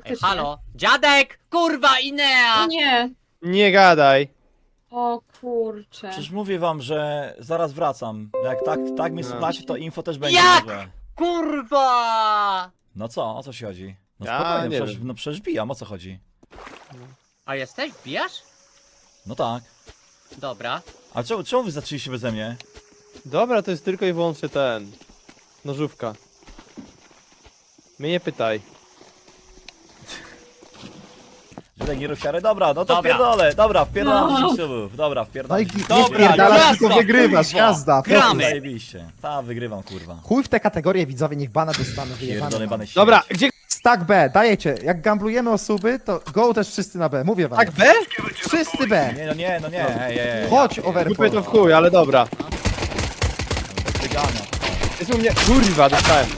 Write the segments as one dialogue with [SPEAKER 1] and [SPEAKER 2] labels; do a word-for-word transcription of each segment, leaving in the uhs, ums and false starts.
[SPEAKER 1] faktycznie.
[SPEAKER 2] halo, dziadek! Kurwa, Inea!
[SPEAKER 1] Nie.
[SPEAKER 3] Nie gadaj.
[SPEAKER 1] O kurczę.
[SPEAKER 4] Przecież mówię wam, że zaraz wracam. Jak tak, tak mnie
[SPEAKER 3] No.
[SPEAKER 4] słuchacie, to info też będzie
[SPEAKER 2] Jak?
[SPEAKER 4] może.
[SPEAKER 2] Kurwa!
[SPEAKER 4] No co, o co się chodzi? No
[SPEAKER 3] Ja
[SPEAKER 4] spokojnie,
[SPEAKER 3] nie
[SPEAKER 4] przecież,
[SPEAKER 3] wiem.
[SPEAKER 4] no przecież bijam, o co chodzi?
[SPEAKER 2] A jesteś? Wbijasz?
[SPEAKER 4] No tak.
[SPEAKER 2] Dobra.
[SPEAKER 4] A czemu, czemu wy zaczęliście beze mnie?
[SPEAKER 3] Dobra, to jest tylko i wyłącznie ten. Nożówka. Mnie nie pytaj.
[SPEAKER 4] Że nie rufiary? Dobra, no to
[SPEAKER 2] Dobra.
[SPEAKER 4] wpierdolę. Dobra, wpierdalam
[SPEAKER 1] No.
[SPEAKER 4] dziesięć subów. Dobra,
[SPEAKER 5] No
[SPEAKER 4] wpierdalam
[SPEAKER 5] i
[SPEAKER 4] dziesięć
[SPEAKER 5] nie
[SPEAKER 4] subów.
[SPEAKER 2] Dobra,
[SPEAKER 5] wpierdalasz,
[SPEAKER 2] jazda,
[SPEAKER 5] tylko wygrywasz,
[SPEAKER 2] kurwa.
[SPEAKER 5] jazda.
[SPEAKER 2] Gramy.
[SPEAKER 4] Zajebiście. Ta, wygrywam, kurwa.
[SPEAKER 5] Chuj w te kategorie, widzowie, niech bana dostaną,
[SPEAKER 4] Pierdolę
[SPEAKER 5] wyjebane.
[SPEAKER 4] bany
[SPEAKER 5] mam.
[SPEAKER 3] Dobra, gdzie?
[SPEAKER 5] Stack B, dajecie. Jak gamblujemy o suby, to go też wszyscy na B, mówię wam.
[SPEAKER 3] Tak B?
[SPEAKER 5] Wszyscy B.
[SPEAKER 4] Nie, no nie, no nie, ej, ej, ej.
[SPEAKER 5] Chodź,
[SPEAKER 3] Kupię
[SPEAKER 5] overpool.
[SPEAKER 3] to w chuj, ale dobra.
[SPEAKER 4] Wygania.
[SPEAKER 3] Jest u mnie... Kurwa, dostałem.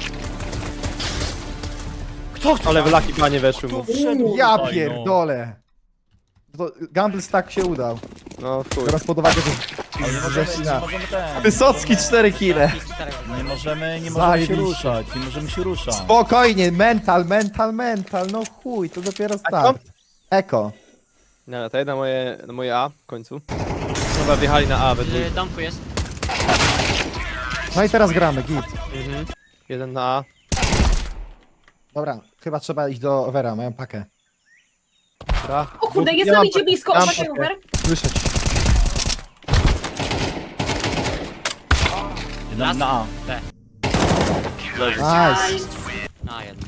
[SPEAKER 4] Kto chce?
[SPEAKER 3] Ale w laki panie weszły mu.
[SPEAKER 4] wszedł
[SPEAKER 5] Ja
[SPEAKER 4] tutaj,
[SPEAKER 5] pierdolę. To gamble stack się udał.
[SPEAKER 3] No w chuj.
[SPEAKER 5] Teraz pod uwagę, że
[SPEAKER 4] No. Ale nie możemy, nie możemy ten.
[SPEAKER 5] Wysocki cztery kile.
[SPEAKER 4] Nie możemy, nie możemy się
[SPEAKER 5] Zajebiście.
[SPEAKER 4] ruszać, nie możemy się ruszać.
[SPEAKER 5] Spokojnie, mental, mental, mental. No chuj, to dopiero start. Eko.
[SPEAKER 3] Nie, to jedna moje, na moje A w końcu. Chyba wjechali na A we dwójkę.
[SPEAKER 2] W domku jest.
[SPEAKER 5] No i teraz gramy, git.
[SPEAKER 3] Mhm. Jeden na A.
[SPEAKER 5] Dobra, chyba trzeba iść do overa, mają pakę.
[SPEAKER 3] Dobra.
[SPEAKER 1] O kurde,
[SPEAKER 3] Ja
[SPEAKER 1] jest
[SPEAKER 3] mam
[SPEAKER 1] na idzie
[SPEAKER 3] pakę,
[SPEAKER 1] blisko.
[SPEAKER 3] ja mam
[SPEAKER 1] Uważaj,
[SPEAKER 3] pakę.
[SPEAKER 1] Uber.
[SPEAKER 5] Słyszeć.
[SPEAKER 4] Na, na A.
[SPEAKER 2] B.
[SPEAKER 5] Nice.
[SPEAKER 2] Na jeden.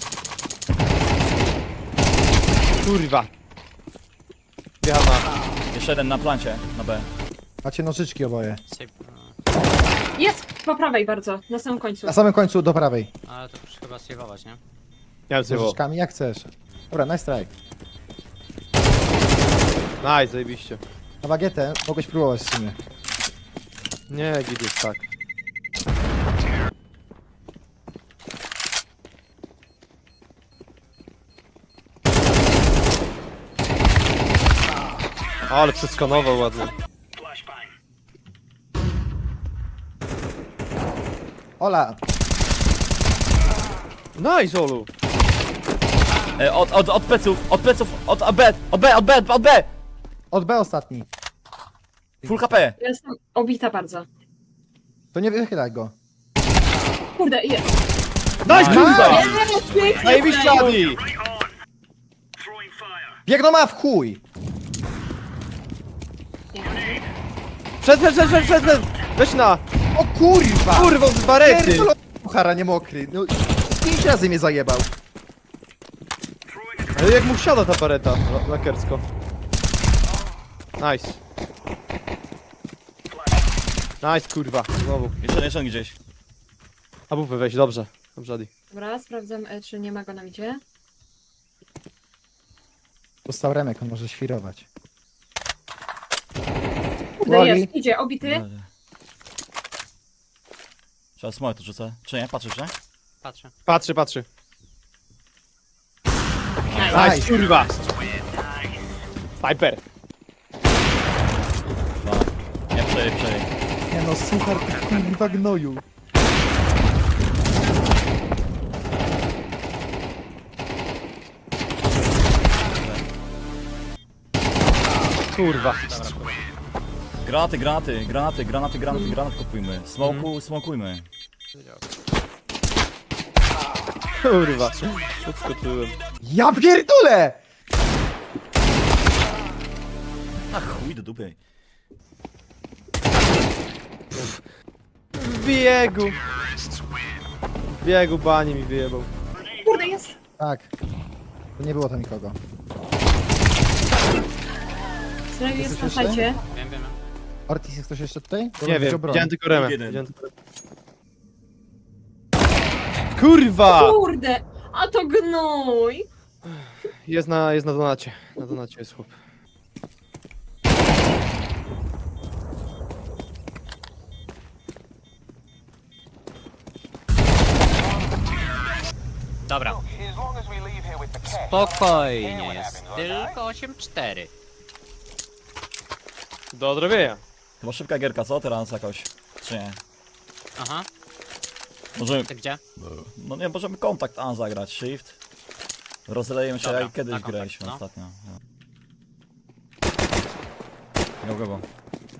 [SPEAKER 3] Kurwa. Wjechał na A.
[SPEAKER 4] Jeszcze jeden na plancie, na B.
[SPEAKER 5] Macie nożyczki oboje.
[SPEAKER 2] Syp.
[SPEAKER 1] Jest po prawej bardzo, na samym końcu.
[SPEAKER 5] Na samym końcu do prawej.
[SPEAKER 2] Ale to już chyba sejwować, nie?
[SPEAKER 3] Nie
[SPEAKER 5] Z
[SPEAKER 3] wiem co.
[SPEAKER 5] nożyczkami, jak chcesz. Dobra, nice strike.
[SPEAKER 3] Nice, zajebiście.
[SPEAKER 5] Na bagietę mogłeś próbować w sumie.
[SPEAKER 3] Nie, git jest tak. Ale przeskanował ładnie.
[SPEAKER 5] Ola,
[SPEAKER 3] Nice, Olu!
[SPEAKER 4] E, od, od, od pleców, od pleców, od od B, od B, od B, od B!
[SPEAKER 5] od B ostatni.
[SPEAKER 4] Full H P!
[SPEAKER 1] Jestem obita bardzo.
[SPEAKER 5] To nie wychylaj go.
[SPEAKER 1] Kurde, jest.
[SPEAKER 3] Nice, kurwa!
[SPEAKER 1] Jest, pięknie.
[SPEAKER 3] Zajebiście, Adi!
[SPEAKER 5] Biegną ma w chuj!
[SPEAKER 3] Przed, przed, przed, przed, przed, przed! Weź na!
[SPEAKER 5] O kurwa!
[SPEAKER 3] Kurwa, z barety!
[SPEAKER 5] Pierdolę, Puchara nie mokry. No, pięć razy mnie zajebał.
[SPEAKER 3] Ale jak mu wsiada ta bareta, la- lakersko. Nice. Nice, kurwa, znowu.
[SPEAKER 4] Jeszcze, jeszcze gdzieś.
[SPEAKER 3] A bufę weź, dobrze. Dobrze, Adi.
[SPEAKER 1] Dobra, sprawdzam, e, czy nie ma go na idzie.
[SPEAKER 5] Dostał remek, on może świrować.
[SPEAKER 1] Kurde,
[SPEAKER 5] Woli.
[SPEAKER 1] jest, idzie, obity.
[SPEAKER 4] Trzeba smoke to rzucę. Czy nie? Patrzysz, nie?
[SPEAKER 2] Patrzę.
[SPEAKER 3] Patrzy, patrzy.
[SPEAKER 5] Nice.
[SPEAKER 3] Nice, kurwa! Sniper!
[SPEAKER 4] Dwa. Nie, przej, przej.
[SPEAKER 5] Nie no, suchar, ty kurwa gnoju.
[SPEAKER 3] Kurwa.
[SPEAKER 4] Granaty, granaty, granaty, granaty, granaty, granat kupujmy. Smoku, smokujmy.
[SPEAKER 3] Kurwa. Podskoczyłem.
[SPEAKER 5] Ja pierdolę!
[SPEAKER 4] A chuj do dupy.
[SPEAKER 3] W biegu! W biegu bani mi wyjebał.
[SPEAKER 1] Kurde, jest.
[SPEAKER 5] Tak. To nie było tam nikogo.
[SPEAKER 1] Znowu jest na
[SPEAKER 5] słyszę?
[SPEAKER 1] sajcie.
[SPEAKER 2] Wiem, wiem.
[SPEAKER 5] Ortiz, jest ktoś jeszcze tutaj? Bo
[SPEAKER 3] Nie
[SPEAKER 5] robię
[SPEAKER 3] wiem,
[SPEAKER 5] go broń.
[SPEAKER 3] widziałem tylko remę.
[SPEAKER 4] Jeden.
[SPEAKER 3] Widziałem tylko remę. Kurwa!
[SPEAKER 1] Kurde, a to gnój.
[SPEAKER 3] Jest na, jest na donacie. Na donacie jest chłop.
[SPEAKER 2] Dobra. Spokojnie, jest tylko osiem cztery.
[SPEAKER 3] Do odrobienia.
[SPEAKER 4] Chyba szybka gierka, co teraz jakoś? Czy nie?
[SPEAKER 2] Aha,
[SPEAKER 4] Możemy...
[SPEAKER 2] ty gdzie?
[SPEAKER 4] No nie, możemy kontakt A zagrać, shift. Rozleją się
[SPEAKER 2] Dobra,
[SPEAKER 4] jak kiedyś
[SPEAKER 2] na kontakt,
[SPEAKER 4] graliśmy
[SPEAKER 2] no.
[SPEAKER 4] ostatnio. No. Go, go, go.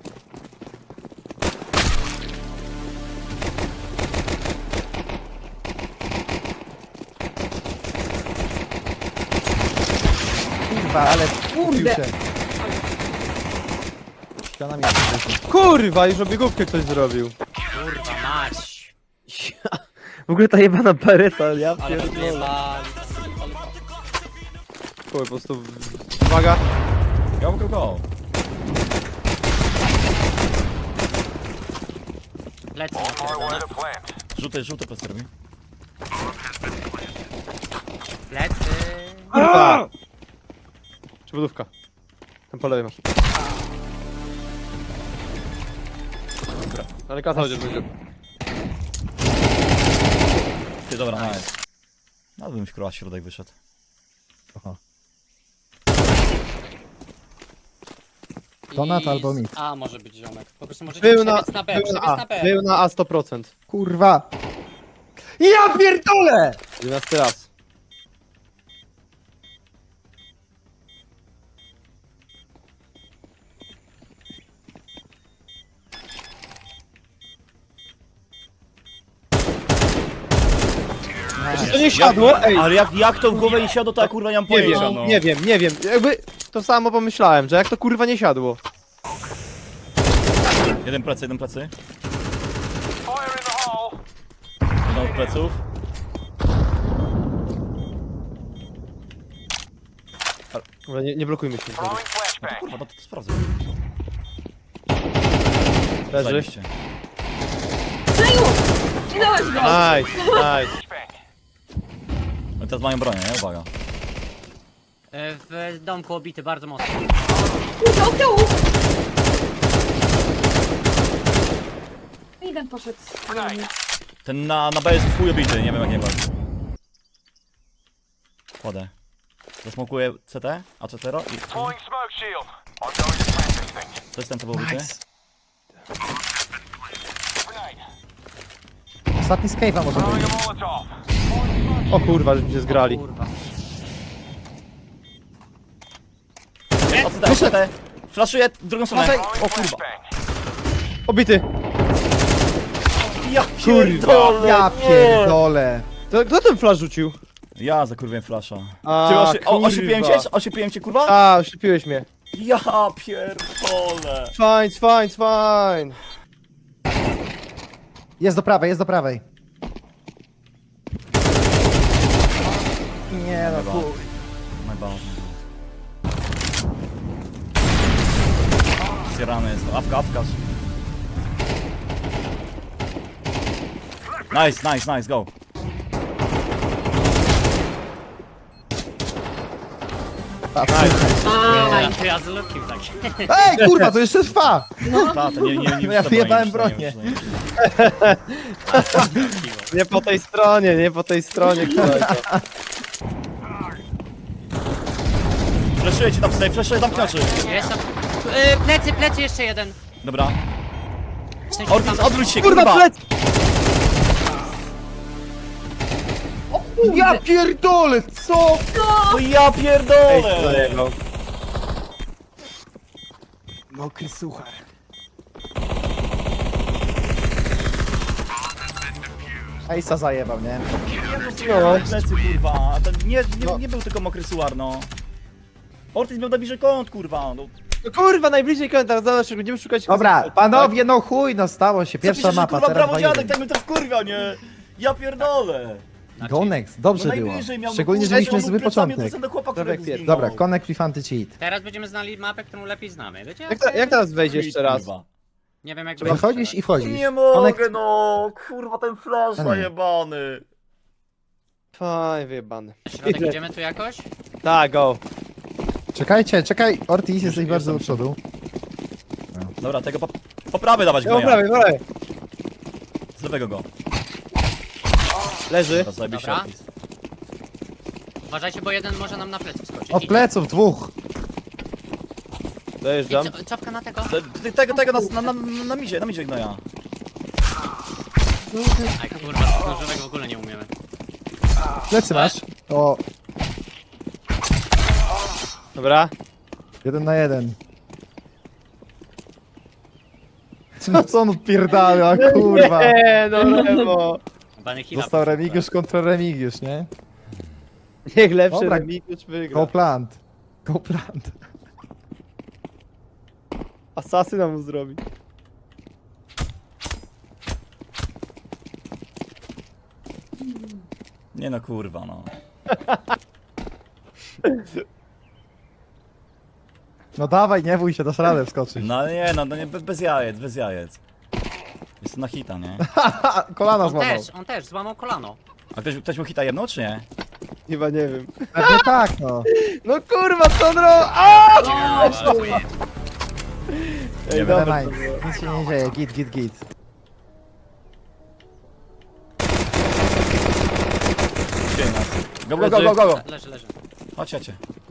[SPEAKER 5] Kurwa, ale
[SPEAKER 1] Kurde.
[SPEAKER 5] się. Ściana mi jest.
[SPEAKER 3] Kurwa, już obiegówkę ktoś zrobił.
[SPEAKER 2] Kurwa mać.
[SPEAKER 3] W ogóle ta jebana bereta, ja
[SPEAKER 2] Ale
[SPEAKER 3] pierdolę.
[SPEAKER 2] wyjebali.
[SPEAKER 3] Chuj, po prostu... Uwaga.
[SPEAKER 4] Go, go, go.
[SPEAKER 2] Lecę napierdolone.
[SPEAKER 4] Żółty, żółty plecy robi.
[SPEAKER 2] Plecy.
[SPEAKER 3] Kurwa! Przybudówka. Tam po lewej masz. Dobra, ale kasa chociaż będzie.
[SPEAKER 4] Ty, dobra, nice. Nawet bym w kurwa środek wyszedł.
[SPEAKER 5] Aha.
[SPEAKER 2] Donat
[SPEAKER 5] Donat albo mit.
[SPEAKER 2] A, może być ziomek. Po prostu możecie
[SPEAKER 3] Był na,
[SPEAKER 2] przebiec na B,
[SPEAKER 3] był
[SPEAKER 2] przebiec
[SPEAKER 3] na
[SPEAKER 2] na
[SPEAKER 3] A,
[SPEAKER 2] B.
[SPEAKER 3] był na A sto procent.
[SPEAKER 5] Kurwa! Ja pierdolę!
[SPEAKER 3] jedenasty raz. Czy to nie siadło? Ej,
[SPEAKER 4] Ale jak, jak to w głowę nie siadło, to ja kurwa nie mam
[SPEAKER 3] nie
[SPEAKER 4] pojęcia,
[SPEAKER 3] wiem,
[SPEAKER 4] no.
[SPEAKER 3] nie wiem, nie wiem. Jakby to samo pomyślałem, że jak to kurwa nie siadło.
[SPEAKER 4] Jeden plecy, jeden plecy. Jeden od pleców.
[SPEAKER 3] Dobra, nie, nie blokujmy się.
[SPEAKER 4] No to kurwa, no to, to sprawdzę.
[SPEAKER 3] Leży.
[SPEAKER 4] Zajebiście.
[SPEAKER 1] Seju! Nie dałaś go!
[SPEAKER 3] Nice, nice.
[SPEAKER 4] No teraz mają bronię, nie? Uwaga.
[SPEAKER 2] E, W domku obity bardzo mocno.
[SPEAKER 1] Kurde, od tyłu! Jeden poszedł.
[SPEAKER 4] Ten na, na B jest w chuj obity, nie wiem jak nie walczy. Kładę. Zasmokuję C T, a C T ro i... To jest ten, co był obity?
[SPEAKER 5] Ostatni escape'a może być.
[SPEAKER 3] O kurwa, żeśmy się zgrali.
[SPEAKER 2] Kurwa.
[SPEAKER 4] O C T, o C T! Flaszuję drugą stronę. O kurwa.
[SPEAKER 3] Obity.
[SPEAKER 4] Ja
[SPEAKER 3] pierdolę.
[SPEAKER 5] Ja pierdolę.
[SPEAKER 3] To, kto ten flash rzucił?
[SPEAKER 4] Ja zakurwiłem flasza.
[SPEAKER 3] A,
[SPEAKER 4] Ty osi o,
[SPEAKER 3] kurwa.
[SPEAKER 4] osiepiłem cię? Osiepiłem cię kurwa?
[SPEAKER 3] A, oślepiłeś mnie.
[SPEAKER 4] Ja pierdolę.
[SPEAKER 3] Fine, fine, fine.
[SPEAKER 5] Jest do prawej, jest do prawej. Nie no,
[SPEAKER 4] Chyba.
[SPEAKER 5] chuj.
[SPEAKER 4] Najbardziej. Zjarany jest, awka, awka. Nice, nice, nice, go.
[SPEAKER 2] A, i to ja zlukił tak.
[SPEAKER 5] Ej, kurwa, to jeszcze trwa!
[SPEAKER 4] Ta, to nie, nie, nie,
[SPEAKER 5] No ja
[SPEAKER 4] nie,
[SPEAKER 5] wyjebałem
[SPEAKER 4] nie,
[SPEAKER 5] bronię.
[SPEAKER 4] nie, nie,
[SPEAKER 3] Nie po tej stronie, nie po tej stronie, kolego.
[SPEAKER 4] Flaszuję ci tam tutaj, flaszuję tam knaczy.
[SPEAKER 2] Jest tam. E, plecy, plecy jeszcze jeden.
[SPEAKER 4] Dobra.
[SPEAKER 2] W sensie
[SPEAKER 4] Ortiz,
[SPEAKER 2] tam-
[SPEAKER 4] odwróć się,
[SPEAKER 3] Kurwa,
[SPEAKER 4] kurwa!
[SPEAKER 3] plec!
[SPEAKER 5] Ja pierdolę, co?
[SPEAKER 4] No ja
[SPEAKER 3] Ej,
[SPEAKER 4] pierdolę!
[SPEAKER 3] zajebał.
[SPEAKER 5] Mokry suchar. Ejsa zajebał, nie?
[SPEAKER 4] No, plecy, kurwa. To nie, nie, nie był tylko mokry suar, no. Ortiz miał na bliżej kąt, kurwa. No.
[SPEAKER 3] No kurwa, najbliżej komentarz, zobacz, będziemy szukać...
[SPEAKER 5] Dobra, panowie, no chuj, no stało się.
[SPEAKER 4] Co
[SPEAKER 5] Pierwsza
[SPEAKER 4] piszesz, że,
[SPEAKER 5] mapa,
[SPEAKER 4] kurwa,
[SPEAKER 5] teraz
[SPEAKER 4] brawo
[SPEAKER 5] dwa
[SPEAKER 4] dziadek,
[SPEAKER 5] jeden.
[SPEAKER 4] tak mnie to wkurwia, nie? Ja pierdolę.
[SPEAKER 5] Gonex, dobrze
[SPEAKER 4] No
[SPEAKER 5] było.
[SPEAKER 4] najbliżej miał, no
[SPEAKER 5] Szczególnie,
[SPEAKER 4] kurwa,
[SPEAKER 5] że mieliśmy
[SPEAKER 4] on był
[SPEAKER 5] zły
[SPEAKER 4] plecami
[SPEAKER 5] początek.
[SPEAKER 4] do chłopa,
[SPEAKER 3] Dobra,
[SPEAKER 4] którego
[SPEAKER 3] pier-
[SPEAKER 4] zginął.
[SPEAKER 5] Dobra, Connect with Anti-Cheat.
[SPEAKER 2] Teraz będziemy znali mapę, którą lepiej znamy. Wiecie?
[SPEAKER 3] Jak, ta, jak teraz wejść jeszcze raz?
[SPEAKER 4] Kurwa.
[SPEAKER 2] Nie wiem jak
[SPEAKER 5] Wychodzisz i wchodzisz.
[SPEAKER 4] Nie mogę,
[SPEAKER 5] Connect-
[SPEAKER 4] no. Kurwa, ten flash
[SPEAKER 5] A nie.
[SPEAKER 4] zajebany.
[SPEAKER 3] Faj, wyjebany.
[SPEAKER 2] Środek idziemy tu jakoś?
[SPEAKER 3] Tak, go.
[SPEAKER 5] Czekajcie, czekaj, Ortiz, jesteś bardzo do przodu.
[SPEAKER 4] Dobra, tego po, po prawej dawać
[SPEAKER 3] No,
[SPEAKER 4] go.
[SPEAKER 3] prawie, prawie.
[SPEAKER 4] Z lewego go.
[SPEAKER 3] Leży.
[SPEAKER 4] Teraz zajebiście
[SPEAKER 2] Dobra.
[SPEAKER 4] Ortiz.
[SPEAKER 2] Uważajcie, bo jeden może nam na plecy wskoczyć.
[SPEAKER 5] Od
[SPEAKER 2] Idzie.
[SPEAKER 5] pleców dwóch.
[SPEAKER 2] I
[SPEAKER 3] Dojeżdżam.
[SPEAKER 2] co, cofka na tego?
[SPEAKER 4] Te- te- Tego, tego na, na, na, na midzie, na midzie gnoja.
[SPEAKER 2] Aj kurwa, nożowego w ogóle nie umiemy.
[SPEAKER 5] Plecy masz. O,
[SPEAKER 3] Dobra.
[SPEAKER 5] Jeden na jeden. No co on odpierdala, kurwa.
[SPEAKER 3] Nie, no lewo.
[SPEAKER 2] Bany Hila.
[SPEAKER 5] Został Remigiusz kontra Remigiusz, nie?
[SPEAKER 3] Niech lepszy
[SPEAKER 5] Dobra.
[SPEAKER 3] Remigiusz wygra.
[SPEAKER 5] Go plant. Go plant.
[SPEAKER 3] Asasyna mu zrobi.
[SPEAKER 4] Nie no kurwa no.
[SPEAKER 5] No dawaj, nie bój się, dasz radę wskoczyć.
[SPEAKER 4] No nie no, no nie, be- bez jajec, bez jajec. Jest na hita, nie?
[SPEAKER 5] Ha, kolana
[SPEAKER 2] On
[SPEAKER 5] złamał.
[SPEAKER 2] też, on też, złamał kolano.
[SPEAKER 4] A ktoś, ktoś mu hita jedno, czy nie?
[SPEAKER 3] Chyba nie wiem.
[SPEAKER 5] Pewnie tak, no.
[SPEAKER 3] No kurwa, co on robi? Aaaa!
[SPEAKER 1] O, kurwa.
[SPEAKER 3] Ej,
[SPEAKER 4] Nie
[SPEAKER 3] dobra.
[SPEAKER 5] Dawaj, nic się nie dzieje, git, git, git.
[SPEAKER 4] Gdzie nas? Go, go, go, go, go, go.
[SPEAKER 2] Le- Leży, leży.
[SPEAKER 4] Chodź, chodźcie.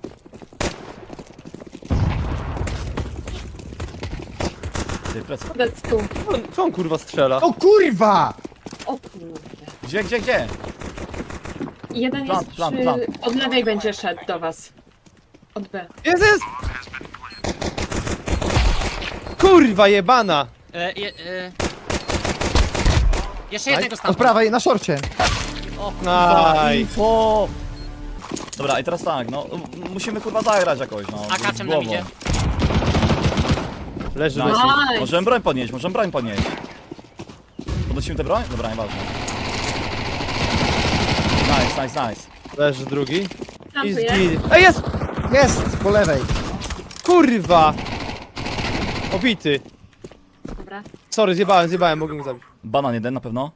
[SPEAKER 4] Ty, plecy.
[SPEAKER 1] Kurde, tu.
[SPEAKER 3] Co on- Co on kurwa strzela?
[SPEAKER 5] O kurwa!
[SPEAKER 1] O kurde.
[SPEAKER 4] Gdzie, gdzie, gdzie?
[SPEAKER 1] Jeden
[SPEAKER 4] Plan,
[SPEAKER 1] jest
[SPEAKER 4] plan,
[SPEAKER 1] przy...
[SPEAKER 4] plan.
[SPEAKER 1] Od lewej będzie szedł do was. Od B.
[SPEAKER 3] Jest, jest! Kurwa jebana!
[SPEAKER 2] E, je, e... Jeszcze jednego
[SPEAKER 5] Od
[SPEAKER 2] stamtąd.
[SPEAKER 5] prawej, na szorcie.
[SPEAKER 2] O kurwa.
[SPEAKER 3] Aj.
[SPEAKER 4] Info! Dobra, i teraz tak, no m- musimy kurwa zagrać jakoś, no.
[SPEAKER 2] Z akaczem
[SPEAKER 4] z
[SPEAKER 2] nam
[SPEAKER 4] głową.
[SPEAKER 2] idzie.
[SPEAKER 3] Leży,
[SPEAKER 4] Nice.
[SPEAKER 3] leży.
[SPEAKER 1] Nice.
[SPEAKER 4] Możemy broń podnieść, możemy broń podnieść. Podnosimy tę broń? Dobra, nieważne. Nice, nice, nice.
[SPEAKER 3] Leży drugi. I
[SPEAKER 1] Plantuję.
[SPEAKER 3] zgin. Ej, jest!
[SPEAKER 5] Jest, po lewej.
[SPEAKER 3] Kurwa! Obity.
[SPEAKER 1] Dobra.
[SPEAKER 3] Sorry, zjebałem, zjebałem, mogłem go zabić.
[SPEAKER 4] Banan jeden na pewno.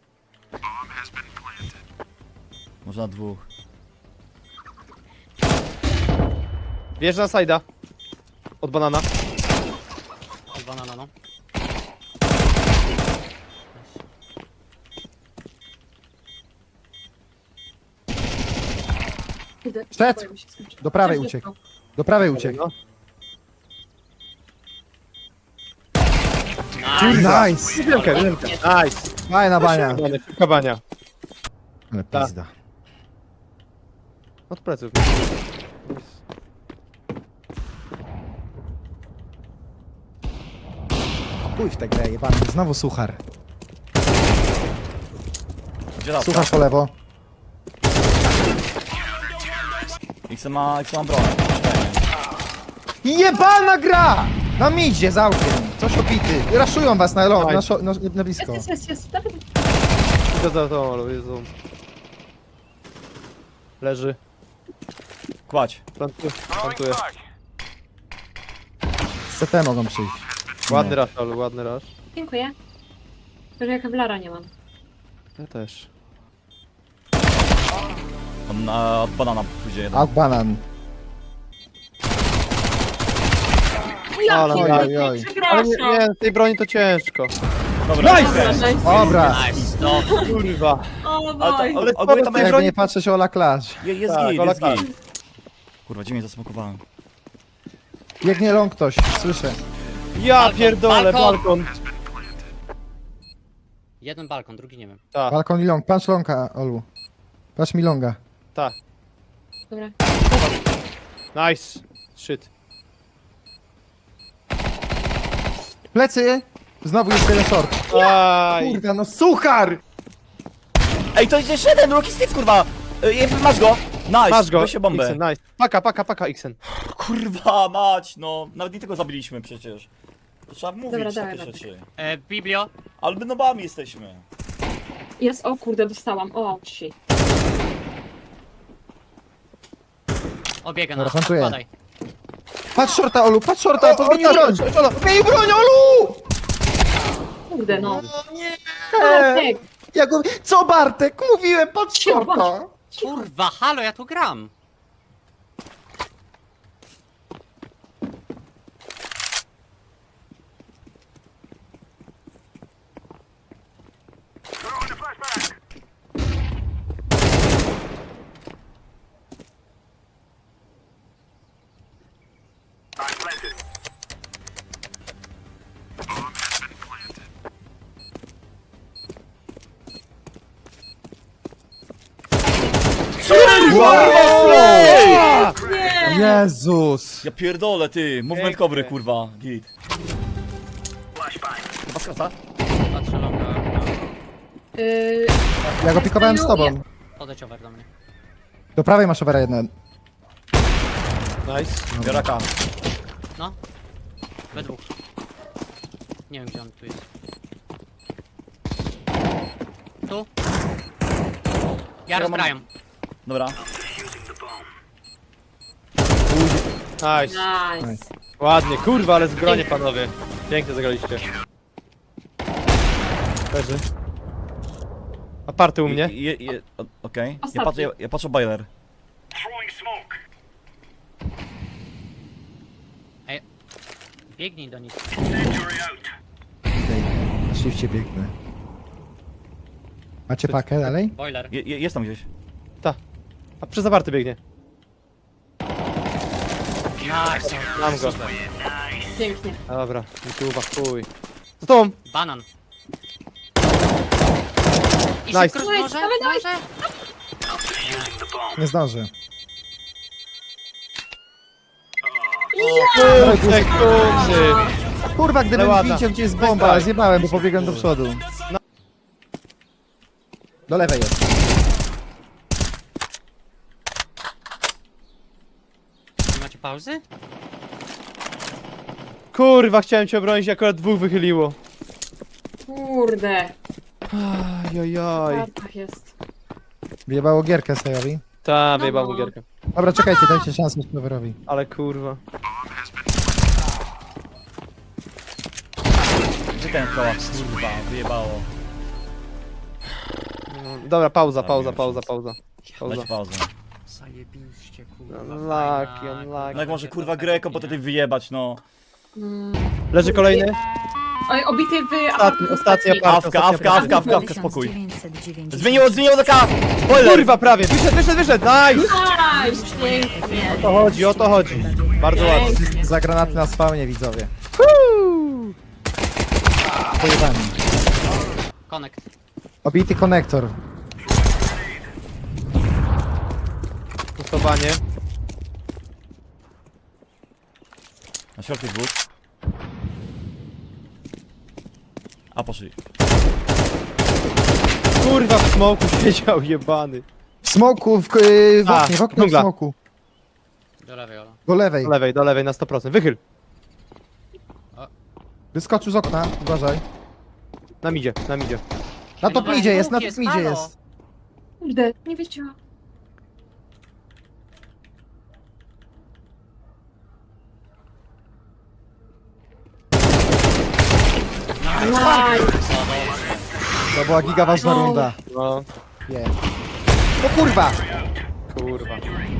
[SPEAKER 4] Może na dwóch.
[SPEAKER 3] Bierz na sajda. Od banana.
[SPEAKER 2] Od banana, no.
[SPEAKER 1] Kurde,
[SPEAKER 5] Przed.
[SPEAKER 1] boję, mi się skończy.
[SPEAKER 5] Do prawej
[SPEAKER 1] Coś
[SPEAKER 5] uciekł.
[SPEAKER 1] wysłał.
[SPEAKER 5] Do prawej uciekł.
[SPEAKER 3] No.
[SPEAKER 5] Nice!
[SPEAKER 3] Wielkę, wielkę. Nice.
[SPEAKER 5] Fajna bania.
[SPEAKER 3] Bania, szybka bania.
[SPEAKER 5] Ale
[SPEAKER 3] Tak.
[SPEAKER 5] pizda.
[SPEAKER 3] Od pleców.
[SPEAKER 5] Pójdź w tę grę, jebany. Znowu suchar.
[SPEAKER 4] Gdzie raz?
[SPEAKER 5] Suchar po lewo.
[SPEAKER 4] X ma, X ma broń.
[SPEAKER 5] Jebana gra! Na midzie, za okiem. Coś opity. Raszują was na ląd, na, szo- na, na blisko.
[SPEAKER 1] Jest, jest, jest, jest. Dawaj.
[SPEAKER 3] Idę za tą, ale Jezu. Leży.
[SPEAKER 4] Kładź.
[SPEAKER 3] Plantuję. Plantuję.
[SPEAKER 5] Z C T mogą przyjść.
[SPEAKER 3] Ładny rush, ale ładny rush.
[SPEAKER 1] Dziękuję. Tylko, że ja kewlara nie mam.
[SPEAKER 3] Ja też.
[SPEAKER 4] On na, od banana pójdzie jeden.
[SPEAKER 5] Out banan.
[SPEAKER 1] Ja
[SPEAKER 3] Ale
[SPEAKER 1] pierdolę,
[SPEAKER 5] oj, oj.
[SPEAKER 3] Ale nie,
[SPEAKER 1] przepraszam.
[SPEAKER 3] nie, tej broni to ciężko.
[SPEAKER 4] Dobra,
[SPEAKER 1] Dobra, nice.
[SPEAKER 5] Dobra.
[SPEAKER 2] Nice, no.
[SPEAKER 3] Kurwa.
[SPEAKER 1] O
[SPEAKER 4] Ale,
[SPEAKER 1] boj.
[SPEAKER 4] to, ale ogólnie tam jest
[SPEAKER 5] Jakby
[SPEAKER 4] broń.
[SPEAKER 5] nie patrzeć Ola Clash.
[SPEAKER 4] Je- Jest
[SPEAKER 3] Tak,
[SPEAKER 4] git,
[SPEAKER 3] Ola
[SPEAKER 4] jest
[SPEAKER 3] Clash.
[SPEAKER 4] git. Kurwa, gdzie mnie zasmokowałem?
[SPEAKER 5] Biegnie ląd ktoś, słyszę.
[SPEAKER 3] Ja
[SPEAKER 2] Balkon,
[SPEAKER 3] pierdolę,
[SPEAKER 2] balkon.
[SPEAKER 3] balkon.
[SPEAKER 2] Jeden balkon, drugi nie wiem.
[SPEAKER 3] Tak,
[SPEAKER 5] Balkon i long. Patrz longa, Olu. Patrz mi longa.
[SPEAKER 3] tak.
[SPEAKER 1] Dobra.
[SPEAKER 3] Nice. Shit.
[SPEAKER 5] Plecy! Znowu jest jeden short.
[SPEAKER 3] Aj.
[SPEAKER 5] Kurde, no suchar!
[SPEAKER 4] Ej, to jest jeszcze jeden, Rocky Steve, kurwa! Ej, masz go! Nice,
[SPEAKER 3] Masz go.
[SPEAKER 4] weź się bombę.
[SPEAKER 3] Xen, nice. Paka, paka, paka, Xen.
[SPEAKER 4] Kurwa mać, no. Nawet nie tego zabiliśmy przecież. To trzeba mówić
[SPEAKER 1] Dobra,
[SPEAKER 4] takie
[SPEAKER 1] dawaj, Bartek.
[SPEAKER 4] rzeczy.
[SPEAKER 2] E, Biblio.
[SPEAKER 4] Ale my nobami jesteśmy.
[SPEAKER 1] Jest, o kurde, dostałam. O, shit.
[SPEAKER 2] Obiega
[SPEAKER 5] Dobra,
[SPEAKER 2] nas.
[SPEAKER 5] plantuję.
[SPEAKER 2] Podaj.
[SPEAKER 5] Patrz shorta, Olu, patrz shorta, podmień broń! Podmień broń, Olu!
[SPEAKER 1] Kurde, no.
[SPEAKER 5] nie!
[SPEAKER 1] Bartek,
[SPEAKER 5] Ja go... Co Bartek? Mówiłem, patrz shorta!
[SPEAKER 2] Kurwa, halo, ja tu gram.
[SPEAKER 1] nie!
[SPEAKER 5] Nie! Jezus!
[SPEAKER 4] Ja pierdolę, ty. Movement
[SPEAKER 3] Pięknie.
[SPEAKER 4] covery, kurwa. Git. Chyba skrata?
[SPEAKER 2] Patrzę longa.
[SPEAKER 1] Yy,
[SPEAKER 5] Ja go pikowałem z tobą.
[SPEAKER 2] Podejdź over do mnie.
[SPEAKER 5] Do prawej masz overa jeden.
[SPEAKER 3] Nice.
[SPEAKER 4] Biorę K.
[SPEAKER 2] No. We dwóch. Nie wiem gdzie on tu jest. Tu. Ja rozbrajam.
[SPEAKER 4] Dobra.
[SPEAKER 3] Nice.
[SPEAKER 1] nice.
[SPEAKER 3] Ładnie, kurwa, ale zgronie panowie. Pięknie zagraliście. Leży. Aparty u mnie.
[SPEAKER 4] Je, je, o- Okej. Ja
[SPEAKER 1] Ostatni.
[SPEAKER 4] patrzę, ja, ja patrzę boiler.
[SPEAKER 2] Ej. Biegnij do nich.
[SPEAKER 5] Na shifcie biegnę. Macie pakę dalej?
[SPEAKER 2] Boiler.
[SPEAKER 4] Je, je, jest tam gdzieś.
[SPEAKER 3] Ta. A przez aparty biegnie.
[SPEAKER 2] Nice.
[SPEAKER 3] Mam go.
[SPEAKER 1] Pięknie.
[SPEAKER 3] Dobra, YouTube'a, chuj. Z tobą!
[SPEAKER 2] Banan. I
[SPEAKER 3] Nice.
[SPEAKER 2] szybko
[SPEAKER 1] Dawaj,
[SPEAKER 2] może?
[SPEAKER 1] dawaj, dawaj.
[SPEAKER 2] Może?
[SPEAKER 5] Nie zdążę.
[SPEAKER 3] Pół sekundy!
[SPEAKER 5] Kurwa, gdybym
[SPEAKER 3] Ale ładna.
[SPEAKER 5] widział gdzie jest bomba, ale zjebałem, bo pobiegłem do przodu. Do lewej jest.
[SPEAKER 2] Nie macie pauzy?
[SPEAKER 3] Kurwa, chciałem cię obronić, akurat dwóch wychyliło.
[SPEAKER 1] Kurde.
[SPEAKER 3] Ajajaj.
[SPEAKER 1] Tartach jest.
[SPEAKER 5] Wyjebało gierkę Sajowi.
[SPEAKER 3] Ta,
[SPEAKER 1] No.
[SPEAKER 3] wyjebał mu gierkę.
[SPEAKER 5] Dobra, czekajcie, dajcie szansę Cloverowi.
[SPEAKER 3] Ale kurwa.
[SPEAKER 4] Gdzie ten koła? Kurwa, wyjebało.
[SPEAKER 3] No, dobra, pauza, pauza, pauza, pauza. Pauza.
[SPEAKER 4] Dać pauzę.
[SPEAKER 2] Zajebiście kurwa.
[SPEAKER 3] Unlucky,
[SPEAKER 2] fajna,
[SPEAKER 3] unlucky.
[SPEAKER 4] No jak może kurwa Greco, bo tutaj wyjebać, no.
[SPEAKER 1] Mm.
[SPEAKER 3] Leży kolejny.
[SPEAKER 1] Oj, obity w...
[SPEAKER 3] Ostatni, ostatni apart.
[SPEAKER 4] Awka, awka, awka, awka, awka, spokój.
[SPEAKER 6] dziewięćset dziewięćdziesiąt.
[SPEAKER 4] Zmieniło, zmieniło do K! Boiler!
[SPEAKER 3] Kurwa, prawie. Wyszedł, wyszedł, wyszedł. Nice!
[SPEAKER 1] Nice, pięknie.
[SPEAKER 3] O to chodzi, o to chodzi. Bardzo ładnie.
[SPEAKER 1] Pięknie.
[SPEAKER 5] Za granaty na spawnie, widzowie. Pojebani.
[SPEAKER 2] Connect.
[SPEAKER 5] Obity konektor.
[SPEAKER 3] Pustowanie.
[SPEAKER 4] Na środku dwóch. A poszli.
[SPEAKER 3] Kurwa, w smoku siedział, jebany.
[SPEAKER 5] W smoku, w, yy, w
[SPEAKER 3] A,
[SPEAKER 5] oknie, w oknie w
[SPEAKER 3] dżungla.
[SPEAKER 5] smoku.
[SPEAKER 2] Do lewej, Ola.
[SPEAKER 5] Do lewej.
[SPEAKER 3] Do lewej, do lewej na sto procent. Wychyl.
[SPEAKER 5] Wyskoczył z okna, uważaj.
[SPEAKER 3] Na midzie, na midzie.
[SPEAKER 5] Na top
[SPEAKER 2] Ej,
[SPEAKER 5] midzie jest, na
[SPEAKER 2] dwóch
[SPEAKER 5] top
[SPEAKER 2] jest,
[SPEAKER 5] midzie
[SPEAKER 2] halo.
[SPEAKER 5] jest.
[SPEAKER 1] Kurde, nie wiedziałam. Nice.
[SPEAKER 5] To była giga ważna
[SPEAKER 1] No.
[SPEAKER 5] runda.
[SPEAKER 3] No,
[SPEAKER 5] Nie. O kurwa!
[SPEAKER 3] kurwa.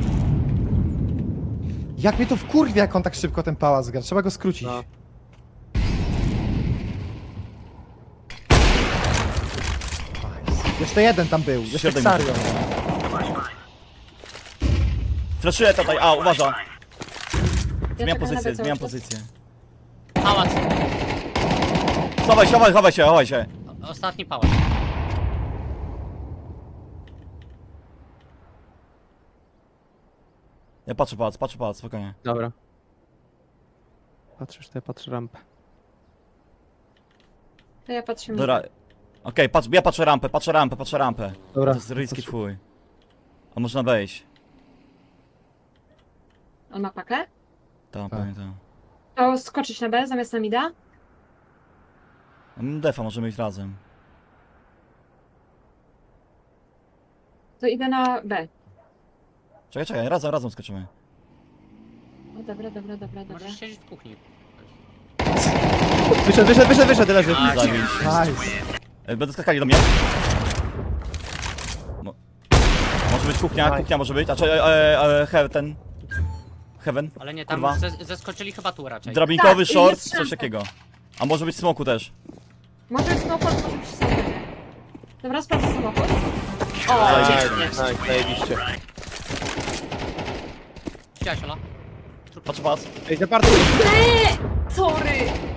[SPEAKER 5] Jak mnie to wkurwia, jak on tak szybko ten pałac gra. Trzeba go skrócić.
[SPEAKER 3] No.
[SPEAKER 5] Jeszcze jeden tam był, jeszcze
[SPEAKER 4] Siedem.
[SPEAKER 5] Xario.
[SPEAKER 4] Flaszuję tutaj, a uważa.
[SPEAKER 1] Ja
[SPEAKER 4] Zmieniam
[SPEAKER 1] czekam na
[SPEAKER 4] pozycję,
[SPEAKER 1] cały
[SPEAKER 4] zmieniam
[SPEAKER 1] czas.
[SPEAKER 4] pozycję.
[SPEAKER 2] Pałac.
[SPEAKER 4] Chowaj się, chowaj, chowaj się, chowaj się.
[SPEAKER 2] O- Ostatni pałac.
[SPEAKER 4] Ja patrzę pałac, patrzę pałac, spokojnie.
[SPEAKER 3] Dobra. Patrzysz, to ja patrzę rampę.
[SPEAKER 1] To ja patrzę.
[SPEAKER 4] Dobra. Okej, patrz, ja patrzę rampę, patrzę rampę, patrzę rampę.
[SPEAKER 3] Dobra.
[SPEAKER 4] To jest ryski twój. A można wejść.
[SPEAKER 1] On ma pakę?
[SPEAKER 4] Tam,
[SPEAKER 5] Tak.
[SPEAKER 4] pamiętam.
[SPEAKER 1] To skoczyć na B zamiast na mida?
[SPEAKER 4] Mm, Defa możemy iść razem.
[SPEAKER 1] To idę na B.
[SPEAKER 4] Czekaj, czekaj, razem, razem skoczymy.
[SPEAKER 1] O, dobra, dobra, dobra, dobra.
[SPEAKER 2] Możesz siedzieć w kuchni.
[SPEAKER 3] Wyszedł, wyszedł, wyszedł, wyszedł, leży.
[SPEAKER 4] Zabić.
[SPEAKER 5] Nice.
[SPEAKER 4] E, Będą skakali do mnie. Mo może być kuchnia, kuchnia może być. A czy e, e, e, he, ten. Heaven.
[SPEAKER 2] Ale nie, tam
[SPEAKER 4] Kurwa.
[SPEAKER 2] zes zeskoczyli chyba tu raczej.
[SPEAKER 4] Drabinkowy
[SPEAKER 1] Tak,
[SPEAKER 4] short,
[SPEAKER 1] jest
[SPEAKER 4] coś
[SPEAKER 1] szansa.
[SPEAKER 4] takiego. A może być smoku też.
[SPEAKER 1] Może być samochód, może być samochód. Dobra, sprawdzę samochód. O,
[SPEAKER 3] Nice,
[SPEAKER 1] pięknie.
[SPEAKER 3] nice, zajebiście.
[SPEAKER 2] Widziałeś, Ola?
[SPEAKER 4] Patrz, patrz.
[SPEAKER 3] Ej, zaparty.
[SPEAKER 1] Eee, sorry!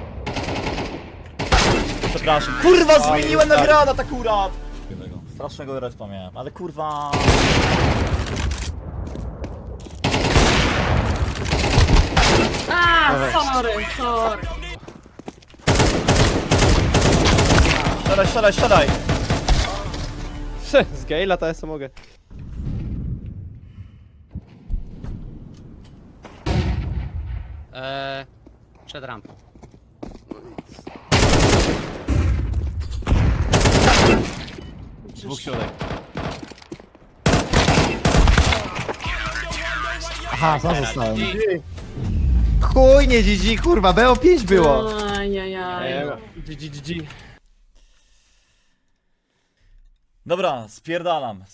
[SPEAKER 4] Przepraszam. Kurwa, zmieniłem na
[SPEAKER 3] tak.
[SPEAKER 4] granat akurat! Strasznego respa miałem, ale kurwa...
[SPEAKER 1] sorry, sorry.
[SPEAKER 4] Siadaj, siadaj, siadaj!
[SPEAKER 3] Z Gale'a to ja co mogę.
[SPEAKER 2] Eee, przed rampą.
[SPEAKER 4] Dwóch środek.
[SPEAKER 5] Aha, sam zostałem. Chuj, nie G G, kurwa, B O pięć było.
[SPEAKER 1] Ajajaj.
[SPEAKER 3] G G G G.
[SPEAKER 4] Dobra, spierdalam.